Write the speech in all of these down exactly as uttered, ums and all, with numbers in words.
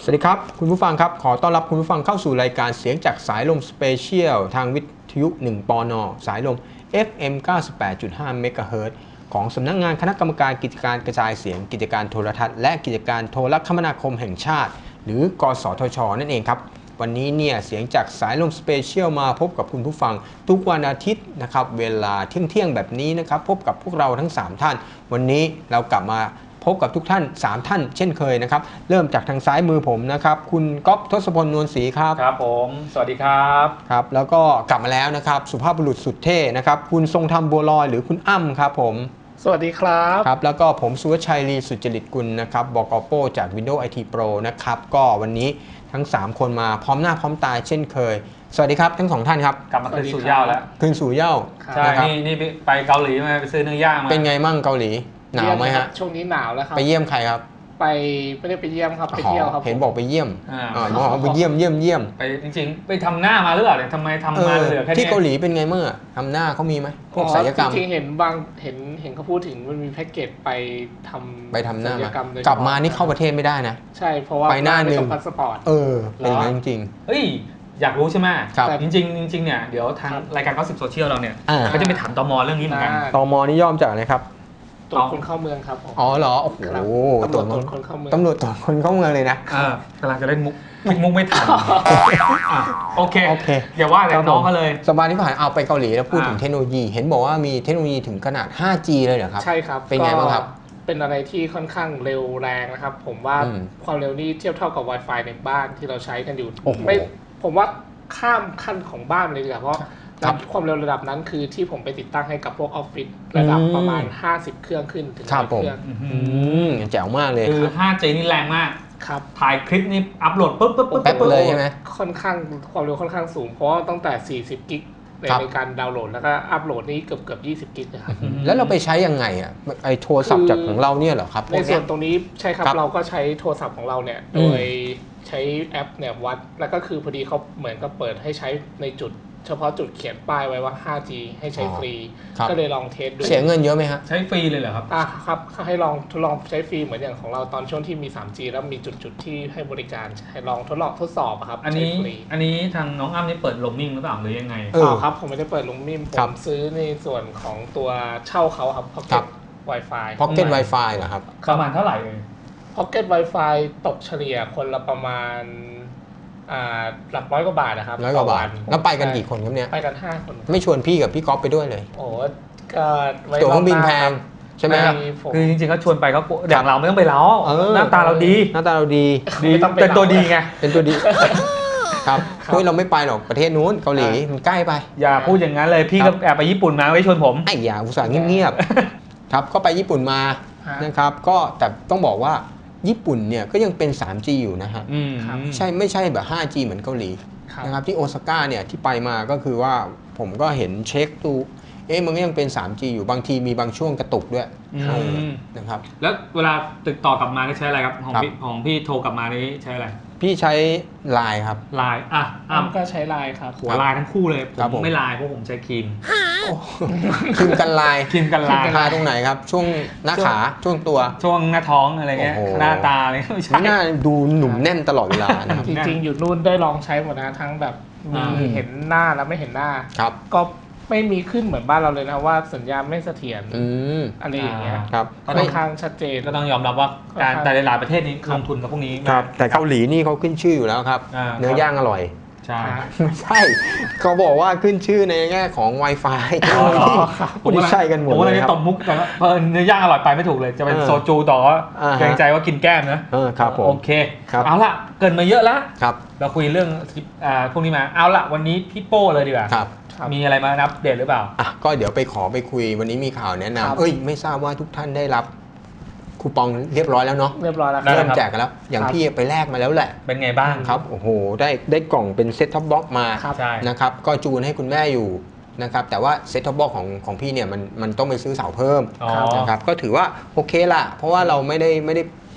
สวัสดีครับคุณผู้ฟังครับขอต้อนรับคุณผู้ฟังเข้าสู่รายการเสียงจากสายลมสเปเชียลทางวิทยุหนึ่งปนสายลม เอฟ เอ็ม เก้าสิบแปดจุดห้า เมกะเฮิรตซ์ของสำนักงานคณะกรรมการกิจการกระจายเสียงกิจการโทรทัศน์และกิจการโทรคมนาคมแห่งชาติหรือกสทช.นั่นเองครับวันนี้เนี่ยเสียงจากสายลมสเปเชียลมาพบกับคุณผู้ฟังทุกวันอาทิตย์นะครับเวลาเที่ยงๆแบบนี้นะครับพบกับพวกเราทั้งสามท่านวันนี้เรากลับมาพบกับทุกท่านสามท่านเช่นเคยนะครับเริ่มจากทางซ้ายมือผมนะครับคุณก๊อฟทศพลนวลศรีครับครับผมสวัสดีครับครับแล้วก็กลับมาแล้วนะครับสุภาพบุรุษสุดเท่นะครับคุณทรงธรรมบัวลอยหรือคุณอ้ำครับผมสวัสดีครับครับแล้วก็ผมสุวชัยลีสุจริตกุลนะครับบก.โป้จาก Windows ไอ ที Pro นะครับก็วันนี้ทั้งสามคนมาพร้อมหน้าพร้อมตาเช่นเคยสวัสดีครับทั้งสองท่านครับกลับมาคืนสู่เหย้าแล้วคืนสู่เหย้าใช่นี่นี่ไปเกาหลีมาไปซื้อเนื้อย่างมาเป็นไงมั่งเกาหลีหนาวไหมฮะช่วงนี้หนาวแล้วครับไปเยี่ยมใครครับไปไม่ได้ไปเยี่ยมครับไปเที่ยวครับเห็นบอกไปเยี่ยมอ๋อบอกไปเยี่ยมเยี่ยมเยี่ยมไปจริงๆไปทำหน้ามาหรือเปล่าเนี่ยทำไมทำมาเหลือแค่นี้ที่เกาหลีเป็นไงเมื่อทำหน้าเขามีไหมพวกศัลยกรรมจริงๆเห็นบางเห็นเห็นเขาพูดถึงมันมีแพ็กเกจไปทำไปทำหน้ามากลับมานี่เข้าประเทศไม่ได้นะใช่เพราะว่าไปหน้าหนึ่งพาสปอร์ตเออเป็นอย่างนั้นจริงเฮ้ยอยากรู้ใช่ไหมครับจริงๆจริงๆเนี่ยเดี๋ยวทางรายการก็สิบโซเชียลเราเนี่ยก็จะไปถามตม.เรื่องนี้เหมือนกันตม.นี่ย่อมจากอะไรครับตรวจคนเข้าเมืองครับอ๋อเหรอโอ้โหตำรวจคนเข้าเมืองตำรวจตรวจคนเข้าเมืองเลยนะกำลังจะเล่นมุกคิดมุกไม่ทันโอเคโอเคอย่าว่าแต่น้องเขาเลยสัปดาห์ที่ผ่านเอาไปเกาหลีแล้วพูดถึงเทคโนโลยีเห็นบอกว่ามีเทคโนโลยีถึงขนาด ห้าจี เลยเหรอครับใช่ครับเป็นไงบ้างครับเป็นอะไรที่ค่อนข้างเร็วแรงนะครับผมว่าความเร็วนี้เทียบเท่ากับ Wi-Fi ในบ้านที่เราใช้กันอยู่ไม่ผมว่าข้ามขั้นของบ้านเลยดีกว่าเพราะความเร็วระดับนั้นคือที่ผมไปติดตั้งให้กับพวกออฟฟิศระดับประมาณห้าสิบเครื่องขึ้นถึงร้อยเครื่องแจ๋วมากเลยคือ ห้าจี นี่แรงมากครับถ่ายคลิปนี้อัพโหลดปุ๊บปุ๊บปุ๊บแป๊บเลยใช่ไหมค่อนข้างความเร็วค่อนข้างสูงเพราะตั้งแต่สี่สิบกิกในการดาวน์โหลดแล้วก็อัพโหลดนี่เกือบเกือบยี่สิบกิกนะครับแล้วเราไปใช้ยังไงอ่ะไอโทรศัพท์จากของเราเนี่ยเหรอครับในส่วนตรงนี้ใช่ครับเราก็ใช้โทรศัพท์ของเราเนี่ยโดยใช้แอปเนี่ยวัดแล้วก็คือพอดีเขาเหมือนกับเปิดให้ใช้ในจุดเฉพาะจุดเขียนป้ายไว้ว่า ห้าจี ให้ใช้ฟรีก็เลยลองเทสดูเสียเงินเยอะไหมฮะใช้ฟรีเลยเหรอครับอ่ะครับให้ลองทดลองใช้ฟรีเหมือนอย่างของเราตอนช่วงที่มี ทรีจี แล้วมีจุดๆที่ให้บริการให้ลองทดลองทดสอบครับอันนี้อันนี้ทางน้องอ้ำนี่เปิดโรมมิ่งหรือเปล่าหรือยังไงอ๋อครับผมไม่ได้เปิดโรมมิ่งผมซื้อในส่วนของตัวเช่าเขาครับ Pocket Wi-Fi Pocket Wi-Fi เหรอครับประมาณเท่าไหร่เอง Pocket Wi-Fi ตกเฉลี่ยคนละประมาณอ่าหลักร้อยกว่าบาทนะครับร้อยกว่าบาทแล้วไปกันกี่คนครับเนี่ยไปกันห้าคนไม่ชวนพี่กับพี่ก๊อฟไปด้วยเลยโอ้ก็ตั๋วเครื่องบินแพงใช่ไหมครับคือจริงๆเขาชวนไปเขาอย่างเราไม่ต้องไปแล้วหน้าตาเราดีหน้าตาเราดีเป็นตัวดีไงเป็นตัวดีครับคุยเราไม่ไปหรอกประเทศนู้นเกาหลีมันใกล้ไปอย่าพูดอย่างนั้นเลยพี่ก็แอบไปญี่ปุ่นมาไม่ชวนผมไอ้อย่าอุตส่าห์เงียบๆครับก็ไปญี่ปุ่นมานะครับก็แต่ต้องบอกว่าญี่ปุ่นเนี่ยก็ยังเป็น ทรีจี อยู่นะฮะใช่ไม่ใช่แบบ ห้าจี เหมือนเกาหลีนะครับที่โอซาก้าเนี่ยที่ไปมาก็คือว่าผมก็เห็นเช็คดูเอ๊ะมันก็ยังเป็น ทรีจี อยู่บางทีมีบางช่วงกระตุกด้วยนะครับแล้วเวลาติดต่อกลับมาใช้อะไรครับของพี่ของพี่โทรกลับมานี่ใช้อะไรพี่ใช้ไลน์ครับไลน์อ่ะอ้ำก็ใช้ไลน์ครับหัวไลน์ทั้งคู่เลยผมไม่ไลน์เพราะผมใช้ครีมครีมกันไลน์ครีมกันไลน์ทาตรงไหนครับช่วงหน้าขาช่วงตัวช่วงหน้าท้องอะไรเงี้ยหน้าตาอะไรไม่ใช่หน้าดูหนุ่มแน่นตลอดเวลาจริงๆอยู่นู่นได้ลองใช้หมดนะทั้งแบบมีเห็นหน้าแล้วไม่เห็นหน้าก็ไม่มีขึ้นเหมือนบ้านเราเลยนะว่าสัญญาณไม่เสถียรอะไรอย่างเงี้ยครับค่อนข้างชัดเจนก็ต้องยอมรับว่าการแต่หลายประเทศนี้ลงทุนกับพวกนี้ครับแต่เกาหลีนี่เขาขึ้นชื่ออยู่แล้วครับเนื้อย่างอร่อยใช่ไม่ใช่เขาบอกว่าขึ้นชื่อในแง่ของ Wi-Fi ผมไม่ใช่กันหมดผมเลยตบมุกแต่ว่าเนื้อย่างอร่อยไปไม่ถูกเลยจะเป็นโซจูต่อเกรงใจว่ากินแก้มนะครับผมโอเคเอาละเกินมาเยอะแล้วครับเราคุยเรื่องพวกนี้มาเอาละวันนี้พี่โป้เลยดีกว่ามีอะไรมาอัปเดตหรือเปล่าอ่ะก็เดี๋ยวไปขอไปคุยวันนี้มีข่าวแนะนำเอ้ยไม่ทราบว่าทุกท่านได้รับคูปองเรียบร้อยแล้วเนาะเรียบร้อยแล้วเริ่มแจกกันแล้วอย่างพี่ไปแลกมาแล้วแหละเป็นไงบ้างครับโอ้โหได้ได้กล่องเป็นเซ็ตท็อปบ็อกมานะครับก็จูนให้คุณแม่อยู่นะครับแต่ว่าเซ็ตท็อปบ็อกของของพี่เนี่ยมันมันต้องไปซื้อเสาเพิ่มนะครับก็ถือว่าโอเคละเพราะว่าเราไม่ได้ไม่ได้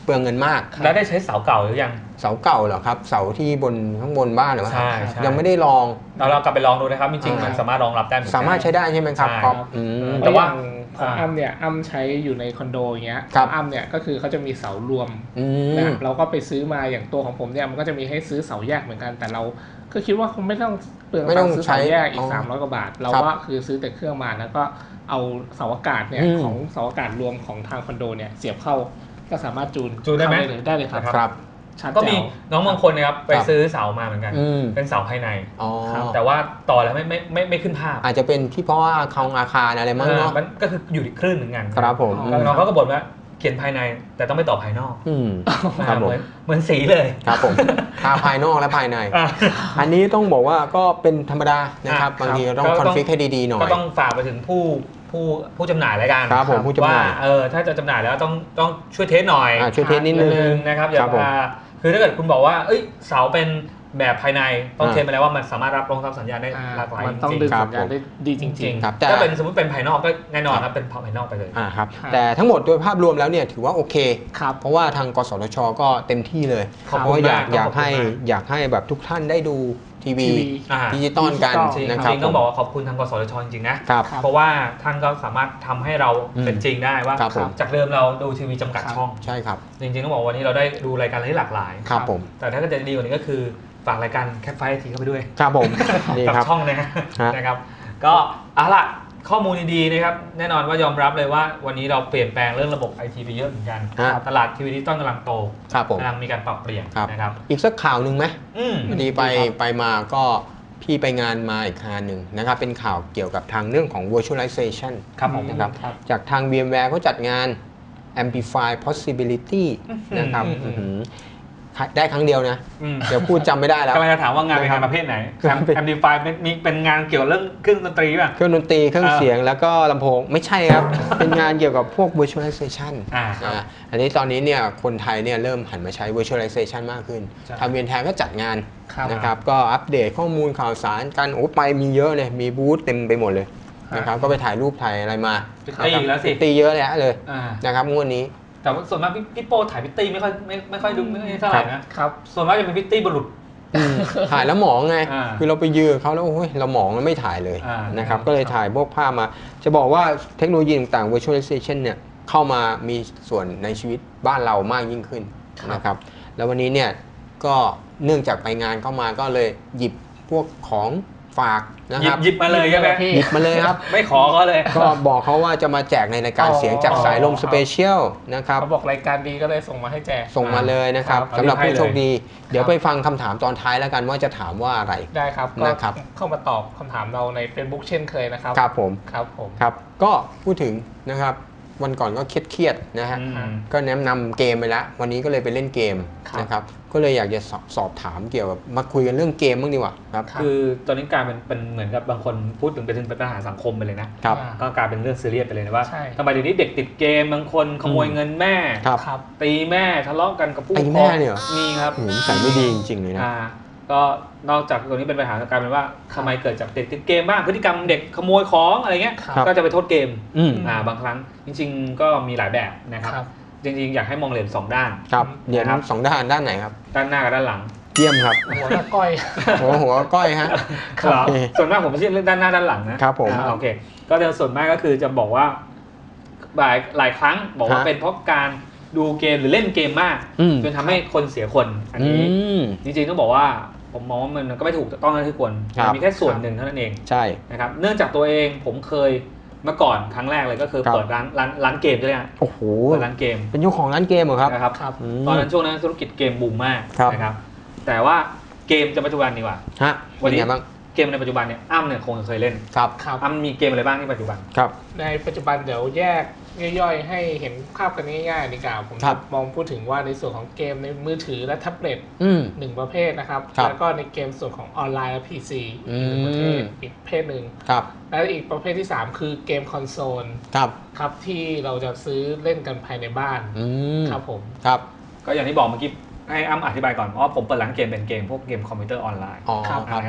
เปลืองเงินมากแล้วได้ใช้เสาเก่าหรือยังเสาเก่าเหรอครับเสาที่บนข้างบนบ้านเหรอใช่ใช่ยังไม่ได้ลองเราเรากลับไปลองดูนะครับจริงๆมันสามารถรองรับได้เหมือนกันสามารถใช้ได้ใช่ไหมครับใช่ครับอืมแต่ว่าขอ่าองอ้ำเนี่ยอ้ำใช้อยู่ในคอนโดอย่างเงี้ยครับอ้ำเนี่ยก็คือเขาจะมีเสารวมอืนะมเราก็ไปซื้อมาอย่างตัวของผมเนี่ยมันก็จะมีให้ซื้อเสาแยกเหมือนกัน แต่เราก็คิดว่าคงไม่ต้องเปลืองไม่ตัต้อง งค์ซื้อใช้เสาแยกอีอ๋กอสามร้อยกว่าบาท เราครับว่าคือซื้อแต่เครื่องมาแล้วก็เอาเสาอากาศเนี่ยอืมของเสาอากาศรวมของทางคอนโดเนี่ยเสียบเข้าก็สามารถจูนจูนได้ไหมเข้าเลยได้เลยครับครับชัดก็แจ๋มีวน้องบางคนนะครับไปครับซื้อเสามาเหมือนกันอืมเป็นเสาภายในอ๋อแต่ว่าต่อแล้วไม่ไม่ไม่ไม่ขึ้นภาพอาจจะเป็นที่เพราะว่าคองอาคารอะไรมั้งเนาะมันก็คืออยู่ที่คลื่นเหมือนกันครับผมแล้วน้องเขาก็บ่นว่าเขียนภายในแต่ต้องไม่ต่อภายนอกอืมครับเหผมมือนเหมือนสีเลยครับผมทาภายนอกและภายในอ่ะอันนี้ต้องบอกว่าก็เป็นธรรมดานะครับอ่ะบางทีครับเราต้องก็คต้ออน งฟิกให้ดีๆหน่อยก็ต้องฝากไปถึงผู้ผู้ผู้จำหน่ายรายการครับผมผู้จำหน่ายว่าเออถ้าจะจำหน่ายแล้วต้องต้องช่วยเทสหน่อยอ่ะช่วยเทสนิดนึงนะครับอย่าครับผมพาคือถ้าเกิดคุณบอกว่าเอ้ยเสาเป็นแบบภายในต้องอ่าเทสมาแล้วว่ามันสามารถรับรองรับสัญญาณได้อ่าหลากหลายมันต้องจริงดึงครับสัญญาณได้ดีจจริริงงครับๆแต่ถ้าเป็นสมมติเป็นภายนอกก็แน่นอนครับเป็นภายนอกไปเลยอ่าครับครับแต่ทั้งหมดโดยภาพรวมแล้วเนี่ยถือว่าโอเคๆครับเพราะว่าทางกสทชก็เต็มที่เลยขอบเพคุณราะว่าอยากมากอยากขอบคุณให้มากอยากให้แบบทุกท่านได้ดูทีวีทีวีอ่าดิจิตอลกันดิจิตอลจริงนะครับจริงต้องบอกว่าขอบคุณทางกสทชจริงๆนะครับครับเพราะว่าท่านก็สามารถทำให้เราอืมเป็นจริงได้ว่าครับผมจากเดิมเราดูทีวีจำกัดครับช่องใช่ครับจริงๆต้องบอกว่าวันนี้เราได้ดูรายการที่หลากหลายครับผมแต่ถ้าเกิดจะดีกว่านี้ก็คือฝากรายการแคปไฟทีเข้าไปด้วยครับผมนี่กับครับช่องนะฮะฮะนะครับ ก็เอาล่ะข้อมูลดีๆนะครับแน่นอนว่ายอมรับเลยว่าวันนี้เราเปลี่ยนแปลงเรื่องระบบไอทีไปเยอะเหมือนกันฮะตลาดทีวีดิจิตอลกำลังโตครับผมกำลังมีการปรับเปลี่ยนครับนะครับอีกสักข่าวหนึ่งไหมอืมพอดีไปไปมาก็พี่ไปงานมาอีกงานหนึ่งนะครับ เป็นข่าวเกี่ยวกับทางเรื่องของ virtualization ครับผมนะครับครับจากทาง VMware เขาจัดงาน Amplify Possibility นะครับอืมอื้อหือได้ครั้งเดียวนะอืมเดี๋ยวพูดจำไม่ได้แล้วกำลังจะถามว่างานเป็นนะครังาบนประเภทไหนครับแอมพลิฟายมีเป็นงานเกี่ยวกับเรื่องเครื่องดนตรีป่ะเครื่องดนตรีเครื่องอ่าเสียงแล้วก็ลำโพงไม่ใช่ครับ เป็นงานเกี่ยวกับพวก virtualization อ่าครับอ่าอันนี้ตอนนี้เนี่ยคนไทยเนี่ยเริ่มหันมาใช้ virtualization มากขึ้นใช่ทางเวียนแทนก็จัดงานครับนะครับก็อัปเดตข้อมูลข่าวสารกันโอ้ไปมีเยอะเลยมีบูธเต็มไปหมดเลยนะครับก็ไปถ่ายรูปถ่ายอะไรมาพิตตี้อีกแล้วสิตีเยอะแยะเลยอ่านะครับงวดนี้แต่ว่าส่วนมากพี่พี่โป้ถ่ายพิตตี้ไม่ค่อยไม่ไม่ค่อยดูไม่ค่อยเท่าไหร่นะครับ ส่วนมากจะเป็นพิตตี้บุรุษถ่ายแล้วหมองไงอ่าคือเราไปยืนเขาแล้วโอ้ยเราหมองแล้วไม่ถ่ายเลยอ่านะครับครับก็เลยถ่ายพวกภาพมา จะบอกว่าเทคโนโลยีต่างๆ virtualization เนี่ยเข้ามามีส่วนในชีวิตบ้านเรามากยิ่งขึ้นครับนะครับแล้ววันนี้เนี่ยก็เนื่องจากไปงานเข้ามาก็เลยหยิบพวกของฝากนะหคยิบรับหยิบมาเลยใช่ไหมพี่หยิบมาเลยครับไม่ขอก็เลยก็บอกเขาว่าจะมาแจกในรายการอ๋อเสียงจากสายลมสเปเชียลนะครับเขาบอกรายการดีก็เลยส่งมาให้แจกส่งมาเลยนะครับครับสำหรับผู้โชคดี เดี๋ยวครับไปฟังคำถามตอนท้ายแล้วกันว่าจะถามว่าอะไรได้ครับก็นะครับเข้ามาตอบคำถามเราใน Facebook เช่นเคยนะครับครับผมครับผมครับก็พูดถึงนะครับวันก่อนก็เครียดๆนะฮะอืมก็แนะนำเกมไปแล้ว วันนี้ก็เลยไปเล่นเกมครับนะครับก็เลยอยากจะสอบสอบถามเกี่ยวกับมาคุยกันเรื่องเกมบ้างดีกว่าครับครับคือตอนนี้กลายเป็นเป็นเหมือนกับบางคนพูดถึงไปถึงเป็นปัญหาสังคมไปเลยนะครับอ่าก็กลายเป็นเรื่องซีเรียสไปเลยนะว่าใช่ทำไมเดี๋ยวนี้เด็กติดเกมบางคนขโมยอืมเงินแม่ครับครับตีแม่ทะเลาะกันกับผู้ตีปกครแม่องเนี่ยเหรอมีครับโอ้โหนิสัยไม่ดีจริงๆเลยนะอ่าก็นอกจากตัวนี้เป็นปัญหากลายเป็นว่าทำไมเกิดจากเด็กติดเกมบ้างพฤติกรรมเด็กขโมยของอะไรเงี้ยครับก็จะไปโทษเกมอืมอ่าบางครั้งจริง ๆ ก็มีหลายแบบนะครับครับจริงๆ อยากให้มองเหรียญสองด้านครับเดี๋ยวนะครับสองด้านด้านไหนครับด้านหน้ากับด้านหลังเยี่ยมครับหัวหน้าก้อยหัวหัวก้อยฮะครับโอเคส่วนมากผมไม่ใช่เรื่องด้านหน้าด้านหลังนะครับผมอ่าโอเคก็เดี๋ยวส่วนมากก็คือจะบอกว่าหลายหลายครั้งบอกว่าฮะเป็นเพราะการดูเกมหรือเล่นเกมมากอืมจนทำให้คนเสียคนอันอืนี้มจริงๆต้องบอกว่าผมมองว่ามันก็ไม่ถูกต้องนะที่ควรครับมันมีแค่ส่วนหนึ่งเท่านั้นเองใช่นะครับเนื่องจากตัวเองผมเคยเมื่อก่อนครั้งแรกเลยก็คือครับเปิดร้านร้านร้านเกมใช่ไหมฮะโอ้โหเปิดร้านเกมเป็นเจ้าของร้านเกมเหรอครับนะครับครับมตอนนั้นช่วงนั้นธุรกิจเกมบูมมากครับนะครับแต่ว่าเกมจะปัจจุบันดีกว่าฮะวัเป็นนนี้ไงบ้างเกมในปัจจุบันเนี่ยอ้ำเนี่ยคงเคยเล่นครับครับอ้ำมีเกมอะไรบ้างที่ปัจจุบันครับในปัจจุบันเดี๋ยวแยกย่อยๆ ให้เห็นภาพกันง่ายๆดีกว่าผมครับมองพูดถึงว่าในส่วนของเกมในมือถือและแท็บเล็ตอืมหนึ่งประเภทนะครับครับแล้วก็ในเกมส่วนของออนไลน์และ พี ซีอืมอีกหนึ่งประเภทอีกประเภทหนึ่งครับและอีกประเภทที่ สาม คือเกมคอนโซลครับครับที่เราจะซื้อเล่นกันภายในบ้านอืมครับผมครับก็อย่างที่บอกเมื่อกี้ให้อ้ำอธิบายก่อนเพราะว่าผมเปิดร้านเกมเป็นเกมพวกเกมคอมพิวเตอร์ออนไลน์อ๋อครับครับนะครับ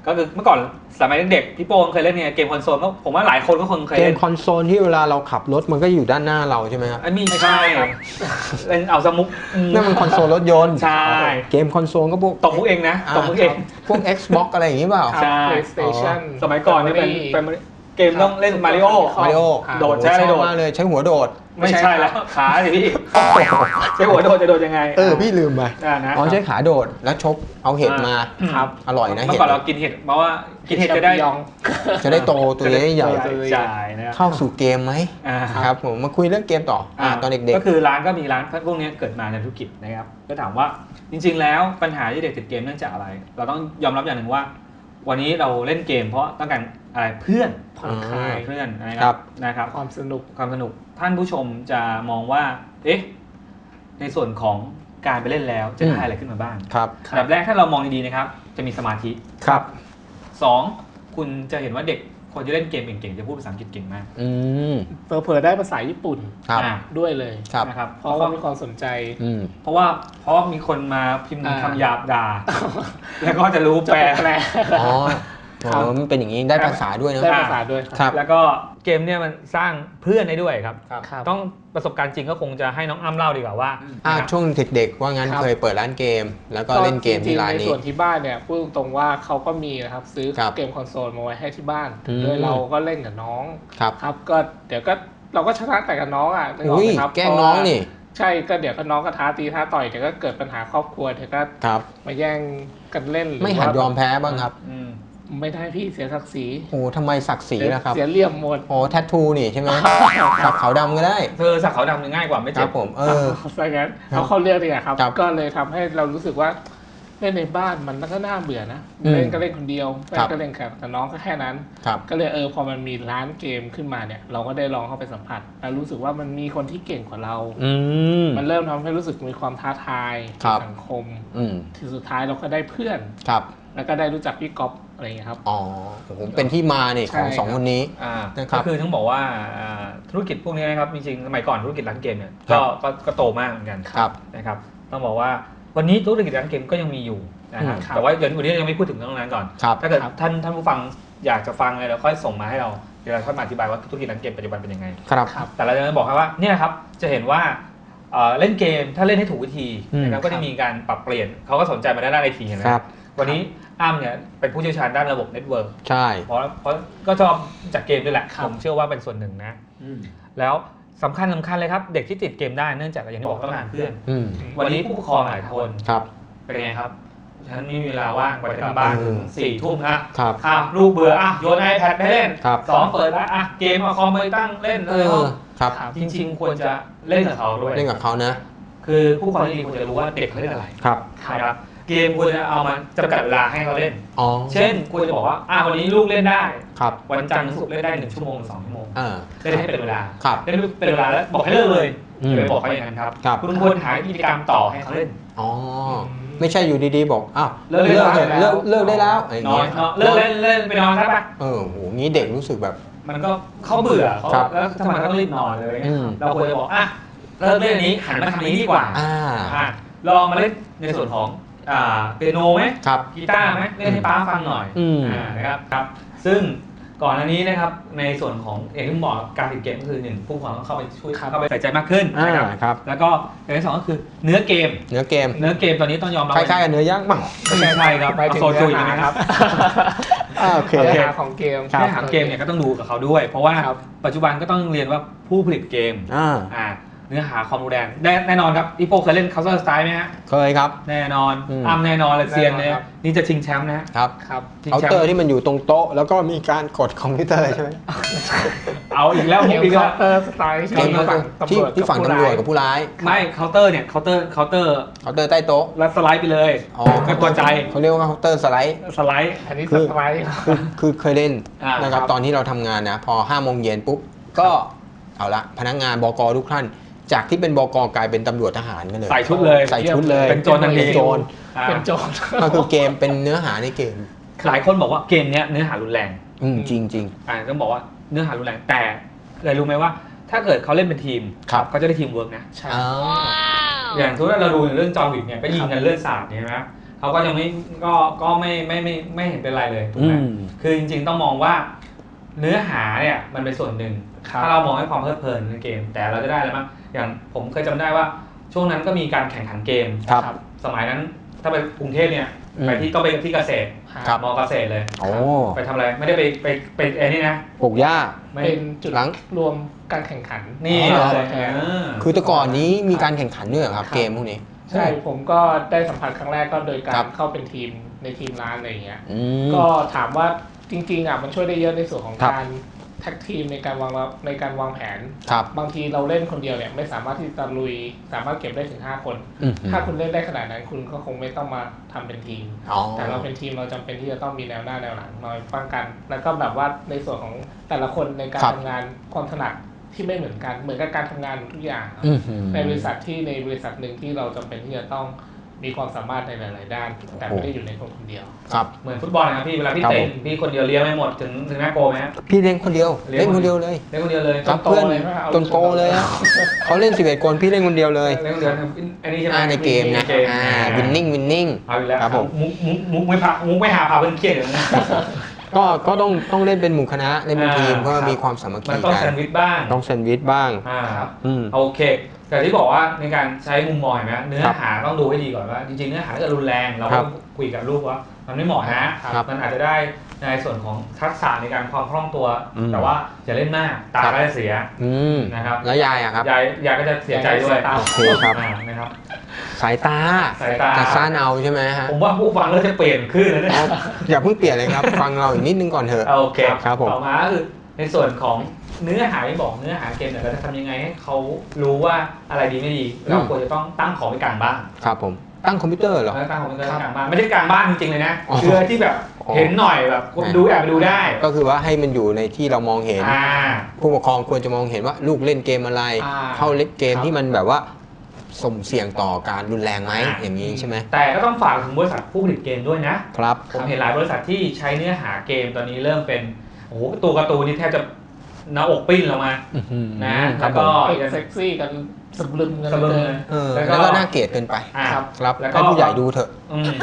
ก็คือเมื่อก่อนสมัยเด็กพี่โป้งเคยเล่นเนี่ยเกมคอนโซลก็ผมว่าหลายคนก็คงเคยเกเล่มนคอนโซลที่เวลาเราขับรถมันก็อยู่ด้านหน้าเราใช่ไหมครับอันนี้ใช่เล่นเอาสมุกนั่นมันคอนโซลรถยนต์ใช่เกมคอนโซลก็พวกตบมุกเองนะตบมุกเองพวก Xbox อะไรอย่างนี้เปล่าครับใช่ PlayStation สมัยก่อนนี่เป็นเป็นเกมต้องเล่นมาริโอมาริโอโดดใช่ไหมโดดมากเลยใช้หัวโดดไม่ใช่แล้วขาสิพี่ใช้หัวโดดจะโดดยังไงเออพี่ลืมไปอ่านะอ๋อใช้ขาโดดแล้วชกเอาเห็ดมาครับอร่อยนะเมื่เห็อดก่อนเรากินเห็ดเพราะว่ากินเห็ดจะได้ยองจะได้โตตัวใหญ่ใหญ่จ่ายนะเข้าสู่เกมไหมอ่าครับผมมาคุยเรื่องเกมต่ออ่าตอนเด็กก็คือร้านก็มีร้านพวกนี้เกิดมาในธุรกิจนะครับก็ถามว่าจริงๆแล้วปัญหาที่เด็กติดเกมเนื่องจากอะไร เราต้องยอมรับอย่างหนึ่งว่า วันนี้เราเล่นเกมเพราะต้องการอะไรเพื่อนผ่อนคลายเพื่อนนะคครัรับบ นะครับความสนุกความสนุกท่านผู้ชมจะมองว่าเอ๊ะในส่วนของการไปเล่นแล้วจะได้อะไรขึ้นมาบ้างๆครับอันดับแรกถ้าเรามองดีๆนะครับจะมีสมาธิครับสองคุณจะเห็นว่าเด็กคนที่เล่นเกมเก่งๆจะพูดภาษาอังกฤษเก่งมากอืมเผลอๆได้ภาษาญี่ปุ่นครับอ่าด้วยเลยครับนะครับเพเพราะราะเขาว่ามีความสนใจอืมเพราะว่าเพราะว่ามีคนมาพิมพ์อ่าคำหยาบด่า แล้วก็จะรู้จะแปลแปลอ๋ออ๋อมันเป็นอย่างนี้ได้ภาษาด้วยเนอะได้ภาษาด้วยครับแล้วก็เกมเนี่ยมันสร้างเพื่อนได้ด้วยครับครับครับต้องประสบการณ์จริงก็คงจะให้น้องอ้ำเล่าดีกว่าว่าอ่านะครับช่วงเด็กๆว่างั้นครับเคยเปิดร้านเกม แล้วก็เล่นเกมที่ร้านจงๆในนี้ส่วนที่บ้านเนี่ยพูดตรงๆว่าเขาก็มีนะครับซื้อครับเกมคอนโซลมาไว้ให้ที่บ้านอืมโดยเราก็เล่นกับน้องครับครับก็เดี๋ยวก็เราก็ชนะแต่กับน้องอ่ะนึกออกอุ้ยไหมครับแกล้งน้องนี่ใช่ก็เดี๋ยวก็น้องก็ท้าตีท้าต่อยเดี๋ยวก็เกิดปัญหาครอบครัวเดี๋ยวก็ครับมาแย่งกันเล่นรือไม่หัดว่ายอมแพ้บ้างครับอืมไม่ได้พี่เสียศักดิ์ศรีโอ้ทำไมศักดิ์ศรีล่ะครับเสียเหลี่ยมหมดโอ้แทททูนี่ใช่ไหมสักขาวดำก็ได้เธอสักขาวดำง่ายกว่าไม่คเจ็รับบผมเออซะงั้นเอาเข้าเรื่องดีกว่าครับครับก็เลยทำให้เรารู้สึกว่าเล่นในบ้านมันก็น่าเบื่อนะอืมเล่นก็เล่นคนเดียวเล่ครันบก็เล่นกับแต่น้องก็แค่นั้นครับก็เลยเออพอมันมีร้านเกมขึ้นมาเนี่ย เราก็ได้ลองเข้าไปสัมผัสแล้วรู้สึกว่ามันมีคนที่เก่งกว่าเราอืมมันเริ่มทำให้รู้สึกมีความท้าทายครัในบสังคมอืมที่สุดท้ายเราก็ได้เพื่อนครับแล้วก็ได้รู้จักพี่ก๊อฟอะไรอย่างเงี้ยครับอ๋อผมเป็นที่มาเนี่ยของใช่สองคนนี้อ่านะครับก็คือต้องบอกว่าอ่าธุรกิจพวกนี้นะครับจริงๆสมัยก่อนธุรกิจร้านเกมเนี่ยครัก็บก็ก็โตมากเหมือนกันครับนะครับต้องบอกว่าวันนี้ธุรกิจร้านเกมก็ยังมีอยู่นะครับอืมครับแต่ว่าเดี๋ยววันนี้ยังไม่พูดถึงเรื่องนั้นก่อนครับถ้าเกิดครับท่านท่านผู้ฟังอยากจะฟังอะไรเราค่อยส่งมาให้เราเดี๋ยวเราค่อยมาอธิบายว่าธุรกิจร้านเกมปัจจุบันเป็นยังไงครับครับแต่เราจะบอกครับว่าเนี่ยครับจะเห็นว่าเอ่อเล่นเกมถ้าเล่นให้ถูกวิธีอืมนะครับก็จะมีการปรับเปลี่ยนเขาก็สนใจมาด้านไอทีเห็นไหมครับวันนี้อ้ำเนี่ยเป็นผู้เชี่ยวชาญด้านระบบเน็ตเวิร์กใช่เพราะเพราะก็ชอบจากเกมด้วยแหละครับผมเชื่อว่าเป็นส่วนหนึ่งนะ แล้วสำคัญสำคัญเลยครับ เด็กที่ติดเกมได้เนื่องจากอย่างที่บอกต้องการเพื่อนอืมวันนี้ผู้ปกครองหลายคนครับเป็นไงครับฉันไม่มีเวลาว่างไปทำบ้านอืมสี่ทุ่มนะครับครัอ่ะบลูกเบื่ออ่ะโยนไอแพดไปเล่นครับสองเปิดแล้วอ่ะเกมเอาคอมไปตั้งเล่นเอเลยอครับครับจริงๆ ควรจะเล่นกับเขาด้วยเล่นกับเขานะคือผู้ปกครองที่ดีควรจะรู้ว่าเด็กเขาเล่นอะไรครับนะครับเกมควรจะเอามาจำกัดเวลาให้เขาเล่นอ๋อเช่นควรจะบอกว่าอ่ะวันนี้ลูกเล่นได้ครับวันจันทร์ถึงศุกร์เล่นได้หนึ่งชั่วโมงสองชั่วโมงเออเล่นให้เป็นเวลาครับเล่นเป็นเวลาแล้วบอกให้เลิกเลยอืมอย่าไปบอกเขาอย่างนั้นครับครับคุณควรหากิจกรรมต่อให้เขาเล่นอ๋อ ไม่ใช่อยู่ดีๆบอก อ้าวเลิกได้เลิกเถอะแล้วเลิกเลิกได้แล้วอย่างนอนเงี้ยนอนเลิกเล่นเล่นไปนอนซะปะเออโหงี้เด็กรู้สึกแบบมันก็เขาเบื่อเขาครับแล้วทำไมต้องรีบนอนเลยอืมเราควรจะบอกอ่ะเลิกเล่นอันนี้หันมาทำอันนี้ดีกว่าอ่าอ่ะลองมาเล่นในส่วนของอ่าเปียโนไหมครับกีตาร์ไหมเล่นให้ป้าฟังหน่อยอืมอ่านะครับครับ ซึ่งก่อนอันนี้นะครับในส่วนของเอกที่บอกการติดเกมก็คือหนึ่งผู้ปกครองต้องเข้าไปช่วยเข้าไปใส่ใจมากขึ้นอ่านะครับครับแล้วก็อย่างที่สองก็คือเนื้อเกมเนื้อเกมเนื้อเกมตอนนี้ต้องยอมรับคล้ายๆกับเนื้อย่างเปล่าไม่ใช่ใช่ครับหมายถึงโซจูเนื้ใช่อไหมหาคครัรับ บอ่าโอเคเนื้อหาของเกมครับเนื้อหาเกมเนี่ยก็ต้องดูกับเขาด้วย เพราะว่าครับปัจจุบันก็ต้องเรียนว่าผู้ผลิตเกมอ่าอ่าเนื้อหาความรุนแรงแน่แน่นอนครับพี่โป้เคยเล่น Counter Strike ไหมฮะเคยครับแน่นอนอืมอ้ำแน่นอนเลยเซียนเลยแน่นอนครับนี่จะชิงแชมป์นะฮะครับครับชิงเคาน์แชมเตอร์ป์ที่มันอยู่ตรงโต๊ะ แล้วก็มีการกดคอมพิวเตอร์ใช่ไหมเอาอีกแล้วเกผมมอีกเคาแล้วน์เตอร์สไตล์เกมก็คือที่ที่ฝั่งตำรวจกับผู้ร้ายไม่เคาน์เตอร์เนี่ยเคาน์เตอร์เคาน์เตอร์เคาน์เตอร์ใต้โต๊ะแล้วสไลด์ไปเลยอ๋อก็ตัวใจเขาเรียกว่าเคาน์เตอร์สไลด์สไลด์อันนี้คืสอไตล์คือคือเคยเล่นอ่านนะครับครับตอนที่เราทำงานนะพอห้าโมงเย็นปุ๊บก็เอาละพนักงานบกทุกท่าน จากที่เป็นบกกลายเป็นตำรวจทหารกันเลยใส่ชุดเลยใส่ชุดเลยเป็นโจรทันทีเป็นโจรอ่าเป็นโจรก็คือเกมเป็นเนื้อหาในเกมหลายคนบอกว่าเกมเนี้ยเนื้อหารุนแรงอืมจริงจริงอ่าต้องบอกว่าเนื้อหารุนแรงแต่เลยรู้ไหมว่า ถ้าเกิดเขาเล่นเป็นทีมครับเขาจะได้ทีมเวิร์กนะใช่อ๋ออย่างทุกเราดูเรื่องจอห์นวิกเนี่ยก็ยิงกันเลือดสาดเนี่ยนะเขาก็ยังไม่ก็ก็ไม่ไม่ไม่ไม่เห็นเป็นไรเลยถูกไหมอืมคือจริงๆต้องมองว่าเนื้อหาเนี่ยมันเป็นส่วนหนึ่งครับถ้าเรามองให้ความเพลิดเพลินในเกม แต่เราจะได้อะไรบ้างอย่างผมเคยจำได้ว่าช่วงนั้นก็มีการแข่งขันเกมครับสมัยนั้นถ้าไปกรุงเทพเนี่ยอืมไปที่ต้องไปที่เกษตรครับมอเกษตรเลยโอ้ไปทำอะไรไม่ได้ไปไปไปไอ้นี่นะปลูกหญ้าไม่เป็นจุดหลังรวมการแข่งขันนี่อ๋อเลยเออคือแต่ก่อนนี้มีการแข่งขันด้วยเหรอครับครับเกมพวกนี้ใช่ผมก็ได้สัมผัสครั้งแรกก็โดยกาครัรบเข้าเป็นทีมในทีมร้านอะไรอย่างเงี้ยอืมก็ถามว่าจริงๆอ่ะมันช่วยได้เยอะในส่วนของครับการแท็กทีมในการวางรับในการวางแผนครับบางทีเราเล่นคนเดียวเนี่ยไม่สามารถที่จะลุยสามารถเก็บได้ถึงห้าคนอืมถ้าคุณเล่นได้ขนาดนั้นคุณก็คงไม่ต้องมาทำเป็นทีมอ๋อแต่เราเป็นทีมเราจำเป็นที่จะต้องมีแนวหน้าแนวหลังมาป้องกัน แล้วก็แบบว่าในส่วนของแต่ละคนในการครับทำงานความถนัดที่ไม่เหมือนกัน เหมือนกับการทำงานทุกอย่างอืมในบริษัทที่ในบริษัทหนึ่งที่เราจำเป็นที่จะต้องมีความสามารถในหลาย ๆ ด้าน แต่ไม่ได้อยู่ในคนคนเดียวครับเหมือนฟุตบอลนะครับพี่เวลาพี่ครับเตะผมพี่คนเดียวเลี้ยงไม่หมดถึงถึงหน้าโกไหมฮะพี่เล่นคนเดียวเล่นเล่นคนเดียวเลยเลี้ยงคนเดียวเลยครับโตเพื่อนเลยไหมเอาจนโตเลยอะเขาเล่นสิบเอ็ดคนพี่เล่นคนเดียวเลยเลี้ยงคนเดียวอันนี้ใช่ไหมอ่าในเกมนะเกมอ่าวินนิ่งวินนิ่งเอาอีกแล้วครับผมมุกมุกมุกไม่พามุกไม่หาพาเพื่อนเครียดอย่างนี้ก็ก็ต้องต้องเล่นเป็นหมู่คณะเล่นเป็นอ่าทีมเพื่อครับมีความสามัคมัคีนต้องกัแซนนด์วิชบ้างต้องแซนด์วิชบ้างอ่าอืมโอเค แต่ที่บอกว่าในการใช้มุมมองเห็นไหมเนื้อครับหาต้องดูให้ดีก่อนว่าจริงๆเนื้อหาถ้าเกิดรุนแรงเราครัก็บคุยกับลูกว่ามันไม่เหมาะนะครับ มันอาจจะได้ในส่วนของทักษะในการความคล่องตัวอืมแต่ว่าอย่าเล่นมากตาครับก็จะเสียอืมนะครับแล้วยายอะครับยายยายก็จะเสียใจด้วยยายโอเคครับอ่านะครับสายตาสายตาจะสั้นเอาใช่ไหมฮะผมว่าผู้ฟังเริ่มจะเปลี่ยนขึ้นแล้วเนี่ยอ๋ออย่าเพิ่งเปลี่ยนเลยครับ ฟังเราอีกนิดนึงก่อนเถอะโอเคครับผมต่อมาก็คือในส่วนของเนื้อหาที่บอกเนื้อหาเกมเนี่ยเราจะทำยังไงให้เขารู้ว่าอะไรดีไม่ดี เราควรจะต้องตั้งของไว้กลางบ้านครับผมตั้งคอมพิวเตอร์เหรอแล้วตั้งของไว้กลางบ้านไม่ใช่กลางบ้านจริงๆเลยนะอ๋อคืออะไรที่แบบอ๋อเห็นหน่อยแบบดูแอบไปดูได้ก็คือว่าให้มันอยู่ในที่เรามองเห็นอ่าผู้ปกครองควรจะมองเห็นว่าลูกเล่นเกมอะไรอ่าเข้าเล่นเกมครับที่มันแบบว่าสุ่มเสี่ยงต่อการรุนแรงไหมอ่าอย่างนี้ใช่ไหมแต่ก็ต้องฝากถึงบริษัทผู้ผลิตเกมด้วยนะครับผมเห็นหลายบริษัทที่ใช้เนื้อหาเกมตอนนี้เริ่มเป็นโอ้โหตัวการ์ตูนนี่แทบจะหน้าอกปิ้นลงมาอื้อหือนะครัแล้บวผก็มเซ็กซี่กันสะลึมกันสะลึมเลเลย ยเออแล้แล้ว วก็ก็น่าเกลียดเกินไปอ่าครับครับแล้วก็ให้ผู้ใหญ่ดูเถอะอืม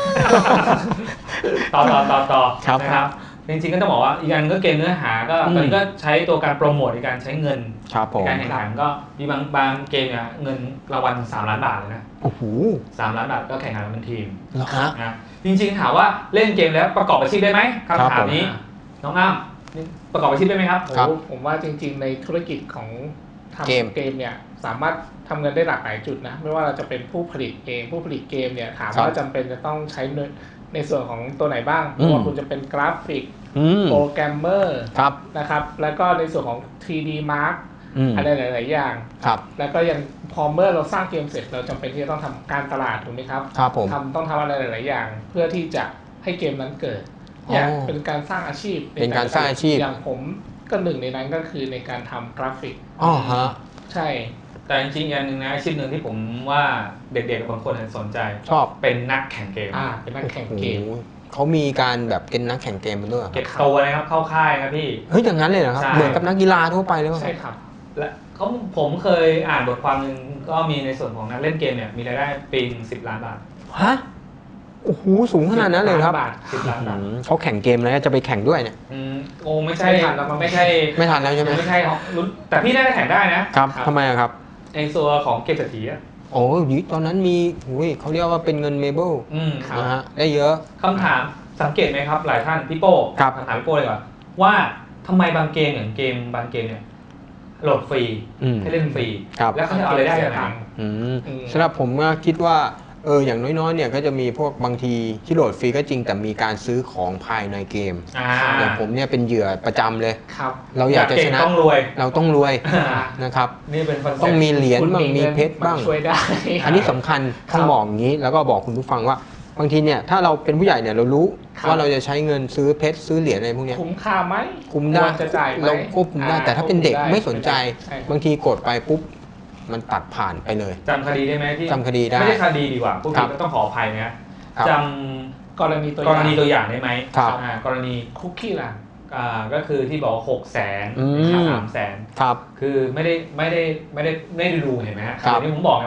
ต่อต่อต่อต่อครับนะครับจริงๆก็ต้องบอกว่าอีกอันก็เกมเนื้อหาก็อืมตอนนี้ก็ใช้ตัวการโปรโมทในการใช้เงินครับผในมการแข่งขันก็มีบางบางเกมเนี่ยเงินรางวัลสามล้านบาทเลยนะโอ้โหสามล้านบาทก็แข่งขันกันเป็นทีมเหรอฮะนะจริงๆถามว่าเล่นเกมแล้วประกอบอาชีพได้ไหมคำถามนี้น้องอ้ำนี่ประกอบอาชีพได้ไหมครับโอ้ครับโหผมว่าจริง ๆ ในธุรกิจของทำเกมเกมเนี่ยสามารถทำเงินได้หลากหลายจุดนะ ไม่ว่าเราจะเป็นผู้ผลิตเองผู้ผลิตเกมเนี่ยถามครับว่าจำเป็นจะต้องใช้ในในส่วนของตัวไหนบ้างอืมไม่ว่าคุณจะเป็นกราฟิกอืมโปรแกรมเมอร์ครับนะครับ แล้วก็ในส่วนของ ทรี ดี Mark อืมอะไรหลาย ๆ อย่างครับแล้วก็ยังพอเมื่อเราสร้างเกมเสร็จเราจำเป็นที่จะต้องทำการตลาดถูกไหมครับครับผมทำต้องทำอะไรหลาย ๆ อย่าง เพื่อที่จะให้เกมนั้นเกิดเนี่ยอ๋อเป็นการสร้างอาชีพเป็นการสร้างอาชีพอย่างผมก็หนึ่งในนั้นก็คือในการทำกราฟิกอ๋อฮะใช่แต่จริงๆอย่างหนึ่งนะอาชีพหนึ่งที่ผมว่าเด็กๆบางคนสนใจชอบเป็นนักแข่งเกมอ่าเป็นนักแข่งเกมโอ้โหเขามีการแบบเป็นนักแข่งเกมเป็นด้วยเหรอคเก็รับบตัวนะครับเข้าค่ายครับพี่เฮ้ยอย่างนั้นเลยเหรอครับใช่เหมือนกับนักกีฬาทั่วไปเลยใช่ครับและเขาผมเคยอ่านบทความหนึ่งก็มีในส่วนของนักเล่นเกมเนี่ยมีรายได้ปีหนึ่งสิบล้านบาทฮะโอ้โหสูงขนาดนั้นเลยครับบาทสิบล้านบาทอืมเขาแข่งเกมแล้วจะไปแข่งด้วยเนี่ยอืมโอ้ไม่ใช่ไม่ทันแล้วมั้งไม่ใช่ไม่ทันแล้วใช่ไหมไม่ใช่ของรุ่นแต่พี่ได้แข่งได้นะครับทำไมอะครับในส่วนของเกมเศรษฐีอะโอ้ยตอนนั้นมีอุ้ยเขาเรียกว่าเป็นเงินเมเบิลอืมนะฮะได้เยอะคำถามสังเกตไหมครับ หลายท่านพี่โป้ครับคำถามพี่โป้เลยก่อนว่าทำไมบางเกมอย่างเกมบางเกมเนี่ยโหลดฟรีอืมให้เล่นฟรีครับแล้วเขาจะเอารายได้จากไหนอืมอืมสำหรับผมก็คิดว่าเอออย่างน้อยๆเนี่ยก็จะมีพวกบางทีที่โหลดฟรีก็จริงแต่มีการซื้อของภายในเกมอ่าอย่างผมเนี่ยเป็นเหยื่อประจำเลยครับเราอยากจะเก่ชงนะต้องรวยเราต้องรวยอ่านะครับนี่เป็นคอนเซ็ปต์ต้องมีเหรียญคุณบ้างมีงินเพชรบ้างช่วยได้อันนี้สำคัญต้องบอกอย่างนี้แล้วก็บอกคุณผู้ฟังว่าบางทีเนี่ยถ้าเราเป็นผู้ใหญ่เนี่ยเรารู้ครับว่าเราจะใช้เงินซื้อเพชรซื้อเหรียญอะไรพวกเนี้ยคุ้มค่าไหมคุมได้ควรจะจ่ายไหมเราควบคุมได้อ่แต่ถ้าเป็นเด็กควบคุไม่สนใจใช่บางทีกดไปปุ๊บมันตัดผ่านไปเลยจำคดีได้ไหมที่จำคดีได้ไม่ใช่คดีดีกว่าพวกครันี้บก็ต้องขออภัยนะครับ จกรณีตัวำอก ย่างรณีตัวอย่างได้ไหมครับอ่ากรณีคุกกี้ล่ะอ่าก็คือที่บอกหกแสนอืมค่าสามแสนครับคือไม่ได้ไม่ได้ไม่ได้ไม่ได้ดูเห็นไหมฮะครับอย่างที่ผมบอกไงว่า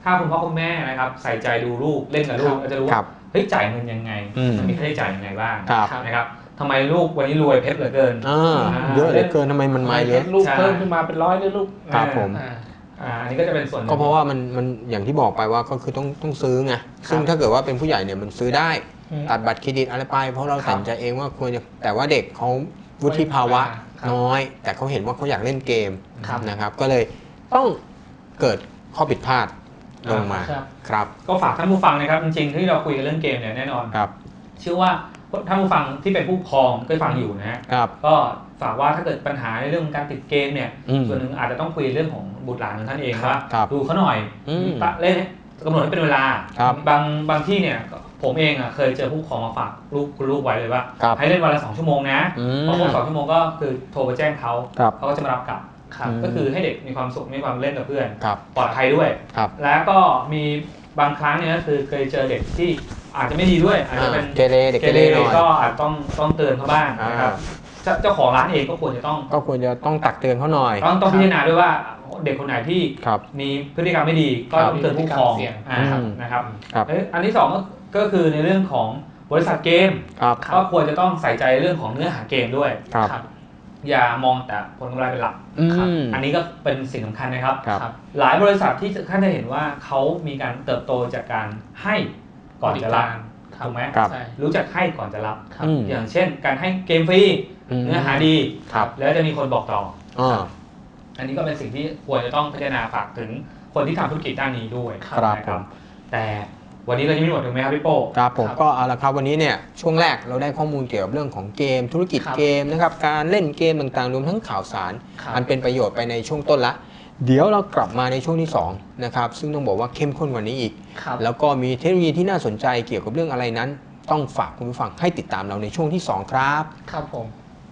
ถ้าคุณพ่อคุณแม่นะครับใส่ใจดูลูกเล่นกับลูกก็จะรู้ว่าเฮ้ยจ่ายเงินยังไงมันมีค่าใช้จ่ายยังไงบ้างนะครับทำไมลูกวันนี้รวยเพชรเหลือเกินเยอะเหลือเกินทำไมมันมาเยอะลูกเพิ่มขึ้นมาเป็นร้อยเลยลูกครับผมอันนี้ก็จะเป็นส่วนก็เพราะว่ามันมันอย่างที่บอกไปว่าก็คือต้องต้องซื้อไงซึ่งถ้าเกิดว่าเป็นผู้ใหญ่เนี่ยมันซื้อได้ตัดบัตรเครดิตอะไรไปเพราะเราตัดใจเองว่าควรจะแต่ว่าเด็กเขาวุฒิภาวะน้อยแต่เขาเห็นว่าเขาอยากเล่นเกมนะครับก็เลยต้องเกิดข้อผิดพลาดลงมาครับก็ฝากท่านผู้ฟังนะครับจริงๆที่เราคุยกันเรื่องเกมเนี่ยแน่นอนครับเชื่อว่าท่านผู้ฟังที่เป็นผู้ปกครองก็ฟังอยู่นะฮะก็ฝากว่าถ้าเกิดปัญหาในเรื่องการติดเกมเนี่ยส่วนหนึ่งอาจจะต้องคุยเรื่องของบุตรหลานของท่านเองว่าดูเขาหน่อยเล่นกำหนดให้เป็นเวลาบางบางที่เนี่ยผมเองอ่ะเคยเจอผู้ปกครองมาฝากลูกคุณลูกไว้เลยว่าให้เล่นวันละสองชั่วโมงนะพอครบสองชั่วโมงก็คือโทรไปแจ้งเขาเขาก็จะมารับกลับก็คือให้เด็กมีความสุขมีความเล่นกับเพื่อนปลอดภัยด้วยแล้วก็มีบางครั้งเนี่ยก็คือเคยเจอเด็กที่อาจจะไม่ดีด้วยอาจจะเป็นเกเรเด็กเกเรหน่อยก็อาจต้องต้องเตือนเขาบ้างนะครับเจ้าของร้านเองก็ควรจะต้องก็ควรจะต้องตักเตือนเขาหน่อยต้องต้องพิจารณาด้วยว่าเด็กคนไหนที่มีพฤติกรรมไม่ดีก็ต้องเตือนผู้ปกครองนะครับอันที่สองก็คือในเรื่องของบริษัทเกมก็ควรจะต้องใส่ใจเรื่องของเนื้อหาเกมด้วยอย่ามองแต่ผลกำไรเป็นหลักอันนี้ก็เป็นสิ่งสำคัญนะครับหลายบริษัทที่ท่านจะเห็นว่าเขามีการเติบโตจากการให้ก่อนจะรับถูกไหมรู้จักให้ก่อนจะรับอย่างเช่นการให้เกมฟรีเนื้อหาดีแล้วจะมีคนบอกต่ออันนี้ก็เป็นสิ่งที่ควรจะต้องพิจารณาฝากถึงคนที่ทำธุรกิจด้านนี้ด้วยครับแต่วันนี้เรายังไม่หมดถูกไหมครับพี่โป้ครับผมก็เอาละครับวันนี้เนี่ยช่วงแรกเราได้ข้อมูลเกี่ยวกับเรื่องของเกมธุรกิจเกมนะครับการเล่นเกมต่างๆรวมทั้งข่าวสารอันเป็นประโยชน์ไปในช่วงต้นละเดี๋ยวเรากลับมาในช่วงที่สองนะครับซึ่งต้องบอกว่าเข้มข้นกว่านี้อีกแล้วก็มีเทคโนโลยีที่น่าสนใจเกี่ยวกับเรื่องอะไรนั้นต้องฝากคุณผู้ฟังให้ติดตามเราในช่วงที่สองครับครับผม